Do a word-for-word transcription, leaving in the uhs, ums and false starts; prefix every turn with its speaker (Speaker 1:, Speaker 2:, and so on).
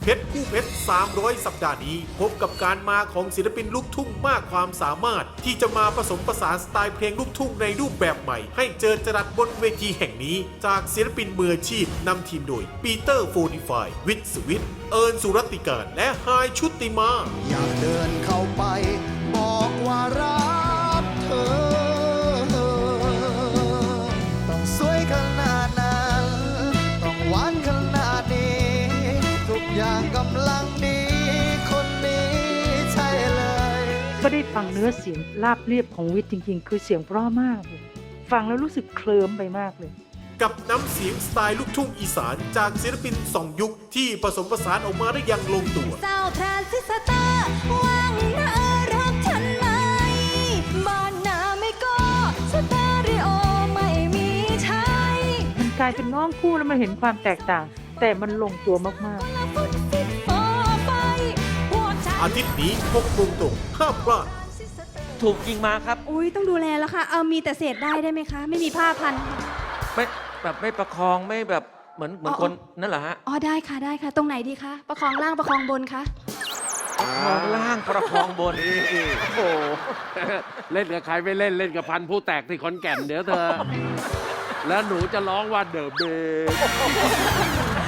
Speaker 1: เพชรคู่เพชรสามร้อยสัปดาห์นี้พบกับการมาของศิลปินลูกทุ่งมากความสามารถที่จะมาผสมผสานสไตล์เพลงลูกทุ่งในรูปแบบใหม่ให้เจอจรัสบนเวทีแห่งนี้จากศิลปินมืออาชีพนำทีมโดยปีเตอร์โฟนิฟายวิทย์สวิทเอิญสุรัตติการและไฮายชุติมา
Speaker 2: อยากเดินเข้าไปบอกว่ารักเธอ ต้องสวยขนาดนั้นต้องหวานขนาดนี้ทุกอย่างกำลังดีคนนี้ใช่เลย
Speaker 3: ก็ได้ฟังเนื้อเสียงราบเรียบของวิทย์จริงๆ คือเสียงเพราะมากเลยฟังแล้วรู้สึกเคลิ้มไปมากเลย
Speaker 1: กับน้ำเสียงสไตล์ลูกทุ่งอีสานจากศิลปินสองยุคที่ผสมผสานออกมาได้อย่างลงตัว
Speaker 4: เจ้าทรานซิสเตอร์ว่างนะเออรักฉันไหมบ้านนาไม่ก็สเตอริโอไม่มีใช้
Speaker 3: มันกลายเป็นน้องคู่แล้วมันเห็นความแตกต่าง แต่มันลงตัวมาก
Speaker 4: ละฟุตฟิตฟอไปพวกฉัน
Speaker 1: อาทิตย์นี้หกโมงตรงห้ามพลาด
Speaker 5: ถูกยิงมาครับ
Speaker 4: อุ้ยต้องดูแลแล้วค่ะ เอามีแต่เศษได้ได้ไหมคะ ไม่มีผ้าพันค่ะ
Speaker 5: ไม่แบบไม่ประคองไม่แบบเหมือนเหมือน
Speaker 4: อ๋อ
Speaker 5: คนนั่นเหรอฮะ
Speaker 4: อ๋อได้ค่ะได้ค่ะ ตรงไหนดีคะ ประคองล่างประคองบนคะ
Speaker 5: ประคองล่างประคองบน
Speaker 6: โอ้โห เล่นกับใครไม่เล่นเล่นกับพันธุ์ผู้แตกที่ขอนแก่นเดี๋ยวเธอ แล้วหนูจะร้องว่าเดอะเบ